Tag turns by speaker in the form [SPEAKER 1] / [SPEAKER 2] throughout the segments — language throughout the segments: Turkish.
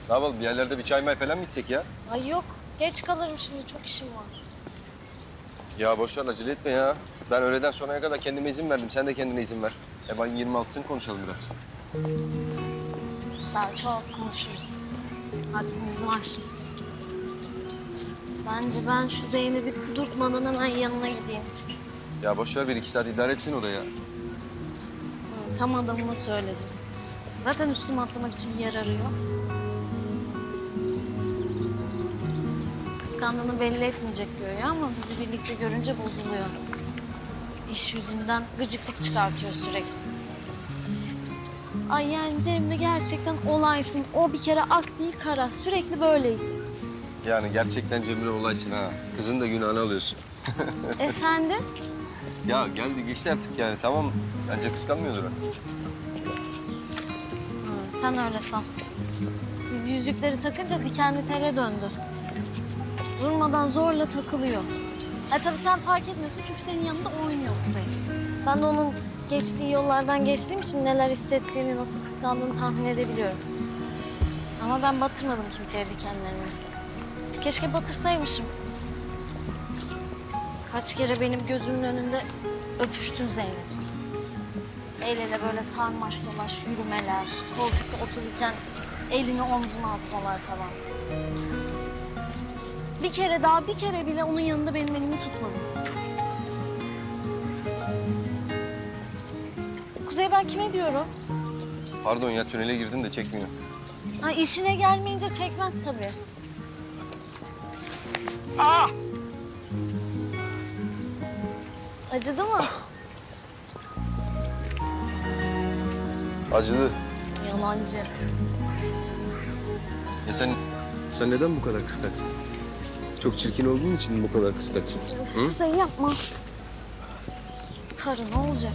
[SPEAKER 1] Ne yapalım? Bir yerlerde bir çay may falan mı içsek ya?
[SPEAKER 2] Ay yok. Geç kalırım şimdi. Çok işim var.
[SPEAKER 1] Ya boş ver, acele etme ya. Ben öğleden sonraya kadar kendime izin verdim. Sen de kendine izin ver. Ben 26'sını konuşalım biraz.
[SPEAKER 2] Daha çok konuşuruz. Vaktimiz var. Bence ben şu Zeynep'i kudurtmadan hemen yanına gideyim.
[SPEAKER 1] Ya boş ver, 1-2 saat idare etsin o da ya.
[SPEAKER 2] Tam adamına söyledim. Zaten üstüme atlamak için yer arıyor. Kıskandığını belli etmeyecek güya ama bizi birlikte görünce bozuluyor. İş yüzünden gıcıklık çıkartıyor sürekli. Ay yani Cemre gerçekten olaysın. O bir kere ak değil kara. Sürekli böyleyiz.
[SPEAKER 1] Yani gerçekten Cemre olaysın ha. Kızın da günahını alıyorsun.
[SPEAKER 2] Efendim?
[SPEAKER 1] Ya geldi geçti artık yani, tamam. Bence kıskanmıyordur ha.
[SPEAKER 2] Sen öyle san. Biz yüzükleri takınca dikenli tele döndü. Durmadan zorla takılıyor. Tabii sen fark etmiyorsun çünkü senin yanında oynuyor Kuzey. Ben de onun geçtiği yollardan geçtiğim için neler hissettiğini, nasıl kıskandığını tahmin edebiliyorum. Ama ben batırmadım kimseye dikenlerini. Keşke batırsaymışım. Kaç kere benim gözümün önünde öpüştün Zeynep. El ele böyle sarmaş dolaş yürümeler, koltukta otururken elini omzuna atmalar falan. Bir kere bile onun yanında benim elimi tutmadın. Kuzey, ben kime diyorum?
[SPEAKER 1] Pardon ya, tünele girdim de çekmiyor.
[SPEAKER 2] Ha, işine gelmeyince çekmez tabii.
[SPEAKER 1] Ah!
[SPEAKER 2] Acıdı mı?
[SPEAKER 1] Acıdı.
[SPEAKER 2] Yalancı.
[SPEAKER 1] Ya sen neden bu kadar kıskançsın? Çok çirkin olduğun için mi bu kadar kıskançsın? Hı?
[SPEAKER 2] Kuzey yapma. Sarı ne olacak?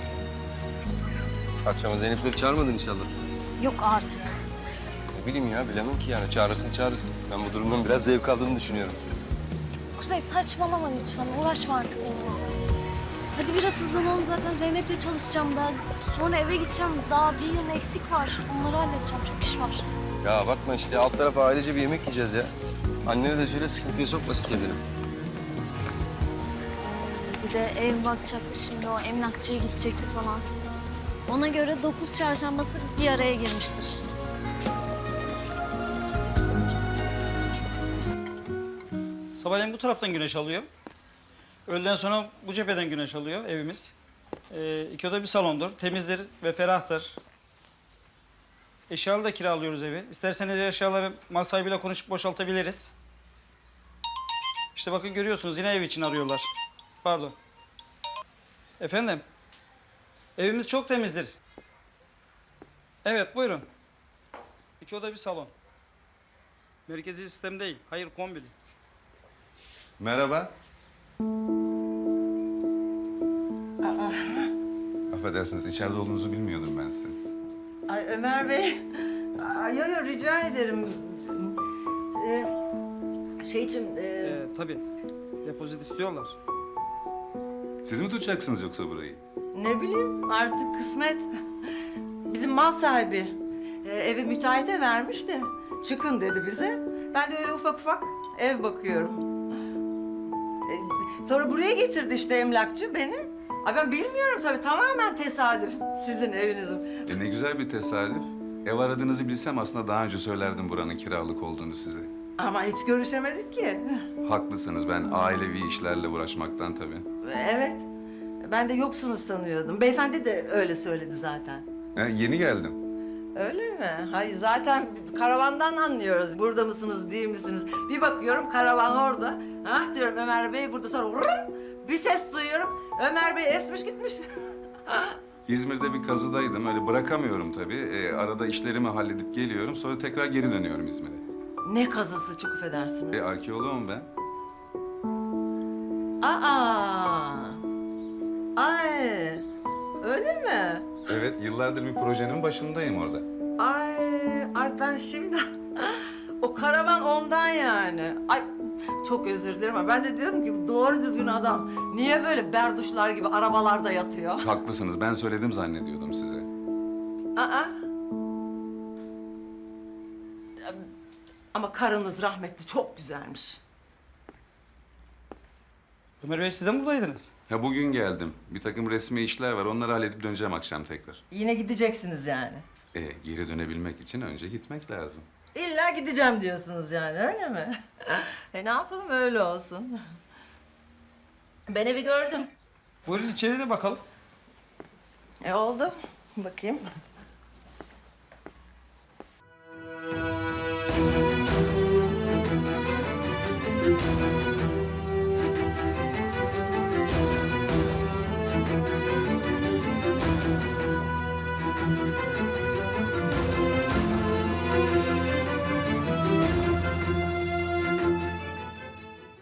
[SPEAKER 1] Akşama Zeynep'leri çağırmadın inşallah.
[SPEAKER 2] Yok artık.
[SPEAKER 1] Ne bileyim ya, bilemem ki yani. Çağırırsın. Ben bu durumdan biraz zevk aldığını düşünüyorum.
[SPEAKER 2] Kuzey saçmalama lütfen. Uğraşma artık benimle. Hadi biraz hızlanalım, zaten Zeynep'le çalışacağım ben. Sonra eve gideceğim. Daha bir yıl eksik var. Onları halledeceğim. Çok iş var.
[SPEAKER 1] Ya bakma işte, alt tarafa ailece bir yemek yiyeceğiz ya. Annene de söyle, sıkıntıya sokmasın kendini.
[SPEAKER 2] Bir de ev bakacaktı şimdi, o emlakçıya gidecekti falan. Ona göre 9 çarşambası bir araya girmiştir.
[SPEAKER 3] Sabahleyin bu taraftan güneş alıyor. Öğleden sonra bu cepheden güneş alıyor evimiz. 2 oda bir salondur. Temizdir ve ferahtır. Eşyalı da kiralıyoruz evi. İsterseniz eşyaları mal sahibiyle konuşup boşaltabiliriz. İşte bakın görüyorsunuz, yine ev için arıyorlar. Pardon. Efendim? Evimiz çok temizdir. Evet, buyurun. 2 oda bir salon. Merkezi sistem değil, hayır kombili.
[SPEAKER 4] Merhaba. Affedersiniz, içeride olduğunuzu bilmiyordum ben sizin.
[SPEAKER 5] Ay Ömer Bey, yo rica ederim. Şeyciğim,
[SPEAKER 3] Tabii, depozit istiyorlar.
[SPEAKER 4] Siz mi tutacaksınız yoksa burayı?
[SPEAKER 5] ne bileyim artık kısmet. Bizim mal sahibi evi müteahhite vermiş de çıkın dedi bize. Ben de öyle ufak ufak ev bakıyorum. Sonra buraya getirdi işte emlakçı beni. Ay ben bilmiyorum tabii, tamamen tesadüf sizin evinizin.
[SPEAKER 4] Ne güzel bir tesadüf. Ev aradığınızı bilsem aslında daha önce söylerdim buranın kiralık olduğunu size.
[SPEAKER 5] Ama hiç görüşemedik ki.
[SPEAKER 4] Haklısınız, ben ailevi işlerle uğraşmaktan tabii.
[SPEAKER 5] Evet, ben de yoksunuz sanıyordum. Beyefendi de öyle söyledi zaten.
[SPEAKER 4] Yeni geldim.
[SPEAKER 5] Öyle mi? Hayır, zaten karavandan anlıyoruz. Burada mısınız, değil misiniz? Bir bakıyorum karavan orada. Ah diyorum Ömer Bey burada, sonra vurun, bir ses duyuyorum. Ömer Bey esmiş gitmiş.
[SPEAKER 4] İzmir'de bir kazıdaydım, öyle bırakamıyorum tabii. Arada işlerimi halledip geliyorum, sonra tekrar geri dönüyorum İzmir'e.
[SPEAKER 5] Ne kazısı, çok affedersiniz.
[SPEAKER 4] Arkeoloğum ben.
[SPEAKER 5] Aa! Ay! Öyle mi?
[SPEAKER 4] Evet, yıllardır bir projenin başındayım orada.
[SPEAKER 5] Ay ben şimdi... O karavan ondan yani. Ay çok özür dilerim ama ben de diyordum ki bu doğru düzgün adam niye böyle berduşlar gibi arabalarda yatıyor?
[SPEAKER 4] Haklısınız, ben söyledim zannediyordum size.
[SPEAKER 5] Aa! Ama karınız rahmetli çok güzelmiş.
[SPEAKER 3] Ömer Bey siz de mi buradaydınız?
[SPEAKER 4] Ha bugün geldim. Bir takım resmi işler var. Onları halledip döneceğim akşam tekrar.
[SPEAKER 5] Yine gideceksiniz yani.
[SPEAKER 4] Geri dönebilmek için önce gitmek lazım.
[SPEAKER 5] İlla gideceğim diyorsunuz yani öyle mi? Ne yapalım öyle olsun. Ben evi gördüm.
[SPEAKER 3] Buyurun içeri de bakalım.
[SPEAKER 5] Oldu. Bakayım.